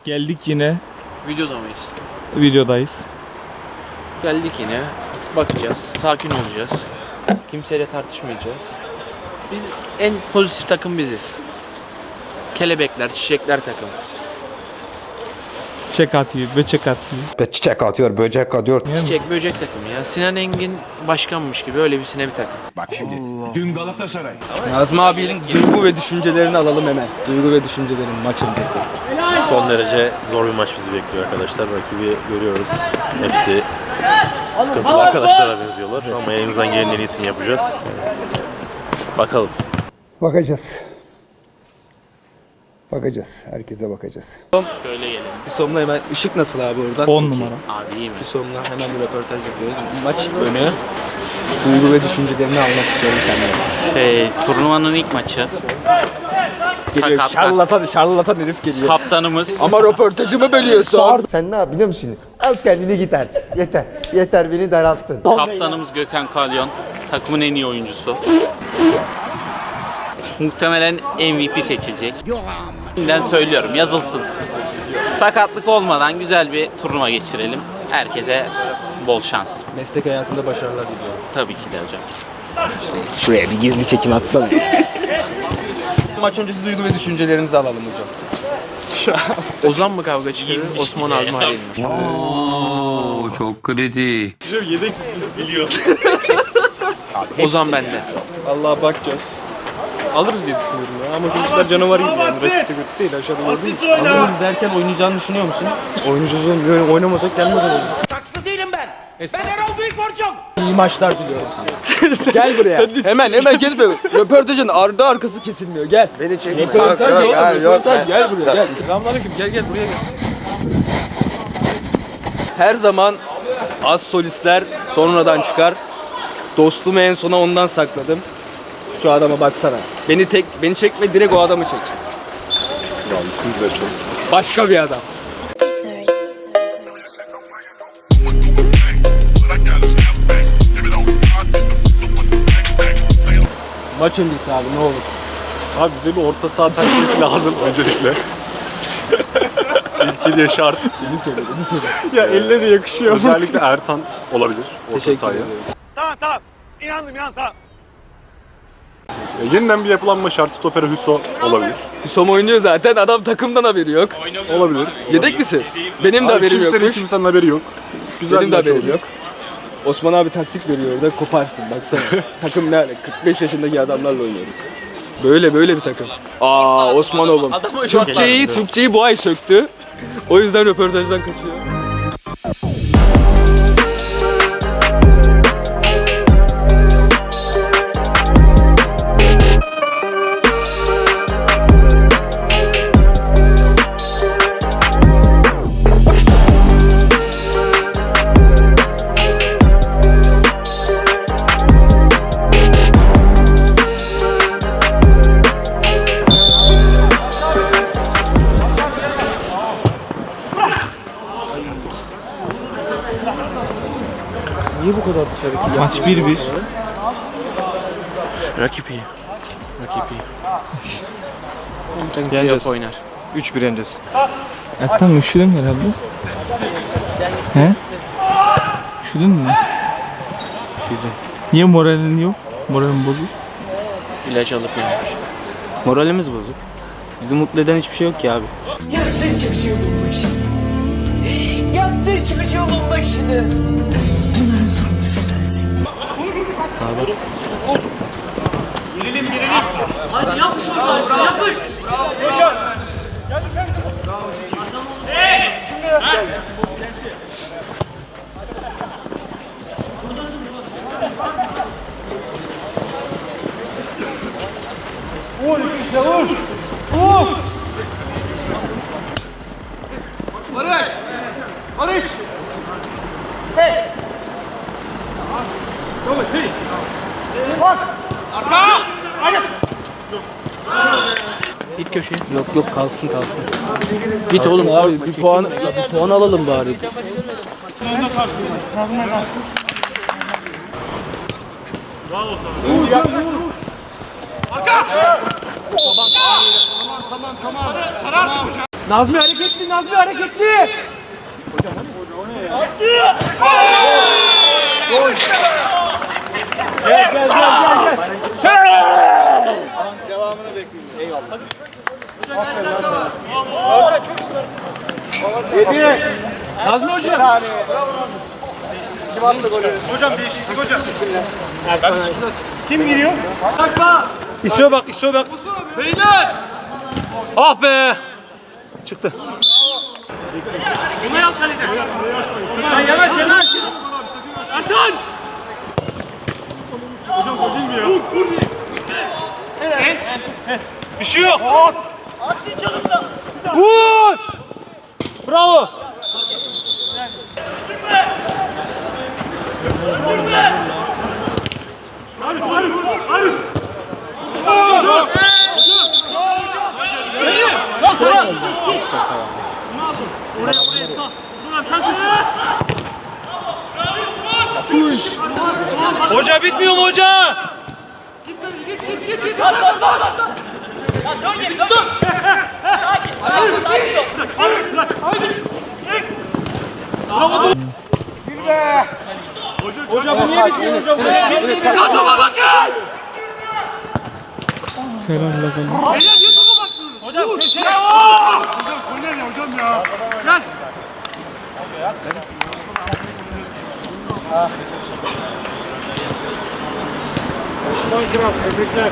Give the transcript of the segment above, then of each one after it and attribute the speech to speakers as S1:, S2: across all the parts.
S1: Geldik yine.
S2: Videoda mıyız?
S1: Videodayız.
S2: Geldik yine. Bakacağız. Sakin olacağız. Kimseyle tartışmayacağız. Biz en pozitif takım biziz. Kelebekler, çiçekler takım.
S1: Çiçek atıyor, böcek atıyor.
S3: Çiçek atıyor, böcek atıyor.
S2: Çiçek böcek takımı ya. Sinan Engin başkanmış gibi öyle bir bir takım.
S4: Bak şimdi. Dün Galatasaray.
S5: Nazmi abinin duygu ve düşüncelerini alalım hemen. Duygu ve düşüncelerin maç öncesi.
S6: Son derece zor bir maç bizi bekliyor arkadaşlar. Rakibi görüyoruz. Hepsi sıkıntılı arkadaşlara benziyorlar. Ama elimizden gelenin en iyisini yapacağız. Bakalım.
S7: Bakacağız. Bakacağız. Herkese bakacağız.
S2: Şöyle gelelim.
S5: Hüsom'la hemen ışık nasıl abi oradan?
S1: 10 numara.
S2: Abi iyi mi?
S5: Hüsom'la hemen bir röportaj yapıyoruz. Maç önü. Duygu ve düşüncelerini almak istiyorum senden.
S8: Turnuvanın ilk maçı.
S5: Geliyor, şarlatan herif geliyor.
S8: Kaptanımız.
S5: Ama röportajımı bölüyorsun.
S7: Sen ne yap biliyor musun? Al kendini git artık. Yeter. Yeter beni daralttın.
S8: Kaptanımız Gökhan Kalyon. Takımın en iyi oyuncusu. Muhtemelen MVP seçilecek. Şimdiden söylüyorum, yazılsın. Sakatlık olmadan güzel bir turnuva geçirelim. Herkese bol şans.
S5: Meslek hayatında başarılar diliyorum.
S8: Tabii ki de hocam.
S5: Şuraya bir gizli çekim atsana. Maç öncesi duygu ve düşüncelerinizi alalım hocam.
S2: Ozan mı kavga çıkarır? Osman Almari mi?
S4: Oo, çok kritik.
S2: Ozan bende.
S1: Vallahi bakacağız. Alırız diye düşünüyorum ya. Ama çocuklar canavar gibi yani. Rakipte kötü değil. Aşağıda gördüm.
S5: Alırız derken oynayacağını düşünüyor musun?
S1: Oynayacağız oğlum. Yani oynamasak gelmez oğlum.
S5: İyi maçlar diliyorum sana. Gel buraya. Hemen gezme. Röportajın ardı arkası kesilmiyor. Gel. Beni çek. Röportaj yok. Röportaj gel buraya gel.
S1: Selamünaleyküm. Gel buraya gel.
S5: Her zaman az solistler sonradan çıkar. Dostumu en sona ondan sakladım. Şu adama baksana. Beni çekme, direkt o adamı çek.
S6: Ya üstümüzde çok.
S5: Başka bir adam. Maç öncesi abi ne olur.
S6: Abi bize bir orta saha takviyesi lazım öncelikle. İlk diye şart.
S5: Beni söyle.
S1: Ya eline de yakışıyor.
S6: Özellikle Ertan olabilir orta
S5: Teşekkür
S6: sahaya.
S5: ederim.
S6: Yeniden bir yapılanma şartı stopere Hüso olabilir.
S5: Hüsom oynuyor zaten. Adam takımdan haberi yok.
S6: Olabilir.
S5: Yedek misin? Benim de haberim yokmuş.
S6: Kimsenin haberi yok. Güzel
S5: Benim
S6: bir
S5: de
S6: maç
S5: haberim
S6: olacak.
S5: yok. Osman abi taktik veriyor orada, koparsın baksana. Takım ne hale? 45 yaşındaki adamlarla oynuyoruz. Böyle bir takım. Osman oğlum. Türkçeyi bu ay söktü. O yüzden röportajdan kaçıyor. Niye bu kadar dışarı?
S1: Maç 1-1.
S2: Rakip iyi. Rakip iyi. Hem takım
S1: Yeneceğiz.
S2: playoff oynar.
S1: 3-1 yeneceğiz. Ertan üşüdün mü herhalde? He? Üşüdün mü?
S2: Üşüdüm.
S1: Niye moralin yok? Moralin bozuk.
S2: İlaç alıp yanmış.
S8: Moralimiz bozuk. Bizi mutlu eden hiçbir şey yok ki abi.
S9: Yaktır çocuğumun başını. Yaktır çocuğumun başını. Bunların sorumlusu sensin.
S2: Git köşeye.
S5: Yok kalsın.
S2: Git oğlum.
S5: Abi bir puan alalım bari.
S1: Nazmi hareketli
S3: İstiyor bak, istiyor bak. Beyler! Ah be! Çıktı. Bir şey yok. Vur! Bravo! Hoca bitmiyor mu hoca? Hocam bu niye bitmiyor hocam? Adama bakın! Hocam köşeye! Hocam korner ya hocam ya. Gel. Osman Kral, tebrikler.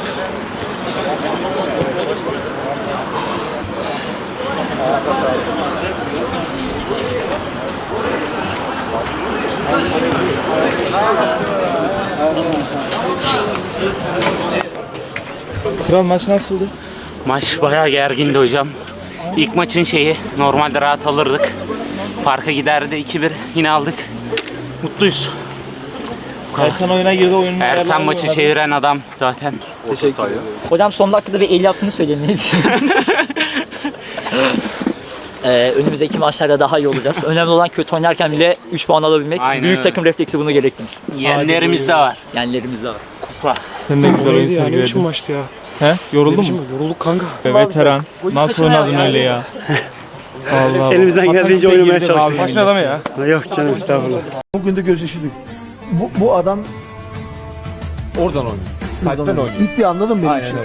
S2: Kral maç nasıldı?
S8: Maç bayağı gergindi hocam. İlk maçın şeyi normalde rahat alırdık. Farka giderdi 2-1 yine aldık. Mutluyuz.
S2: Erkan oyuna girdi, oyunun
S8: Erkan maçı çeviren adam zaten.
S10: Hocam son dakikada bir el yaptığını söyleyin. Ne düşünüyorsunuz? Önümüzdeki maçlarda daha iyi olacağız. Önemli olan kötü oynarken bile 3 puan alabilmek.
S8: Aynen
S10: Büyük
S8: öyle.
S10: takım refleksi bunu gerektirir.
S8: Yeğenlerimiz de var.
S10: Yenlerimiz de var.
S8: Kupa.
S2: Sen de güzel oyun
S1: Ne biçim
S2: sergiledin.
S1: maçtı ya?
S2: He? Yoruldun mu?
S1: Yorulduk kanka.
S2: Veteran. Nasıl oynadın öyle ya? Allah.
S3: Elimizden geldiğince oynamaya çalıştık.
S2: Maçın adamı ya.
S3: Yok canım estağfurullah.
S7: Bugün de göz yaşıdık. Bu adam oradan oynuyor. Kalpten oynuyor. Bitti, anladın mı benim işimi?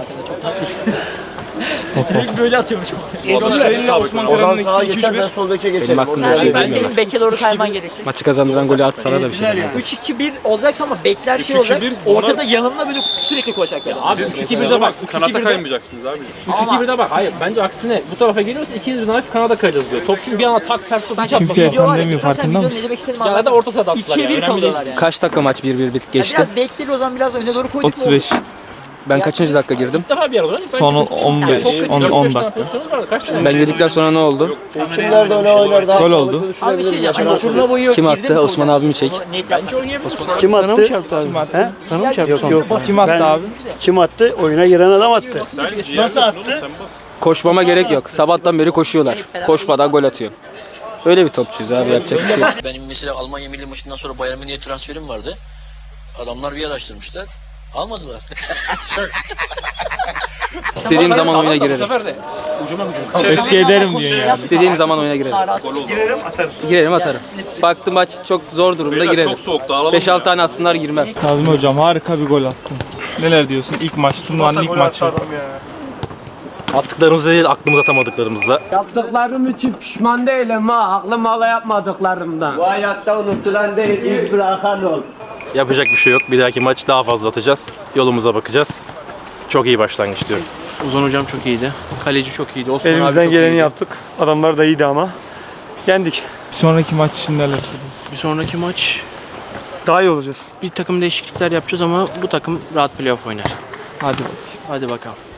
S10: Direkt böyle atıyormuş.
S1: Seninle Osman Karan'ın ikisi 2-3-1.
S7: Ben sol beke geçerim.
S5: Benim hakkımda bir şey
S10: Ben
S5: bilmiyorum.
S10: senin beke doğru kayman gerekecek.
S5: Maçı kazandıran golü at, sana da bir şey demez.
S10: 3-2-1 olacaksa ama bekler şey olacak. Ortada yanımda böyle sürekli koşacak.
S1: Abi 3-2-1'de bak. Kanata kaymayacaksınız abi.
S11: 3-2-1'de bak. Hayır bence aksine bu tarafa geliyorsa ikimiz birden hafif kanada kayacağız diyor. Top çünkü bir anda tak ters top hiç atmaz.
S2: Kimse yatan demiyor, farkında
S10: Ne
S2: mısın?
S10: demek istediğimi
S11: Ya da
S10: anladım.
S11: orta sahada attılar ya.
S10: 2'ye 1
S11: Önemli değil.
S10: kalıyorlar yani.
S5: Kaç dakika maç 1-1 geçti?
S10: Biraz bekleri o zaman biraz öne doğru koyduk.
S2: 35.
S5: Ben kaçıncı dakika girdim?
S11: İlk defa bir arada.
S2: Son 15, 10 dakika.
S11: Kaç tane?
S5: Ben girdikten sonra ne oldu?
S7: Kimler de öyle oynar daha.
S2: Gol oldu.
S10: Abi bir şey diyeceğim. Turna boyu
S5: Kim attı? Osman abimi çek.
S11: Bence oynayabiliriz.
S3: Kim attı?
S2: Kim attı?
S3: He?
S2: Sana mı çarptı?
S3: Yok yok.
S2: Kim attı abi?
S3: Kim attı? Oyuna giren adam attı. Nasıl attı?
S5: Koşmama gerek yok. Sabahtan beri koşuyorlar. Koşmadan gol atıyor. Öyle bir topçuyuz abi, yapacak bir şey yok.
S12: Benim mesela Almanya milli maçından sonra Bayern Münih'e transferim vardı. Adamlar bir araştırmışlar. Almadılar.
S5: İstediğim zaman oyuna girerim.
S11: sefer de ucuma hücum.
S2: Etki ederim diyorsun yani.
S5: İstediğim zaman oyuna girerim. Girerim atarım. Baktım maç çok zor durumda girerim. 5-6 tane atsınlar girmem.
S2: Nazmi hocam harika bir gol attın. Neler diyorsun? İlk maç, turnuvanın ilk maçı.
S6: Attıklarımızla değil aklımıza atamadıklarımızla.
S11: Yaptıklarım için pişman değilim ha. Aklım hala yapmadıklarımdan.
S7: Bu hayatta unutulan değil, iz bırakan ol.
S6: Yapacak bir şey yok. Bir dahaki maç daha fazla atacağız. Yolumuza bakacağız. Çok iyi başlangıç diyorum.
S11: Ozan hocam çok iyiydi. Kaleci çok iyiydi. Osman abi
S3: Elimizden
S11: çok
S3: geleni
S11: iyiydi.
S3: yaptık. Adamlar da iyiydi ama. Yendik.
S2: Bir sonraki maç için neler söylüyorsun?
S11: Bir sonraki maç
S3: Daha iyi olacağız.
S11: bir takım değişiklikler yapacağız ama bu takım rahat playoff oynar.
S2: Hadi bakalım.
S11: Hadi bakalım.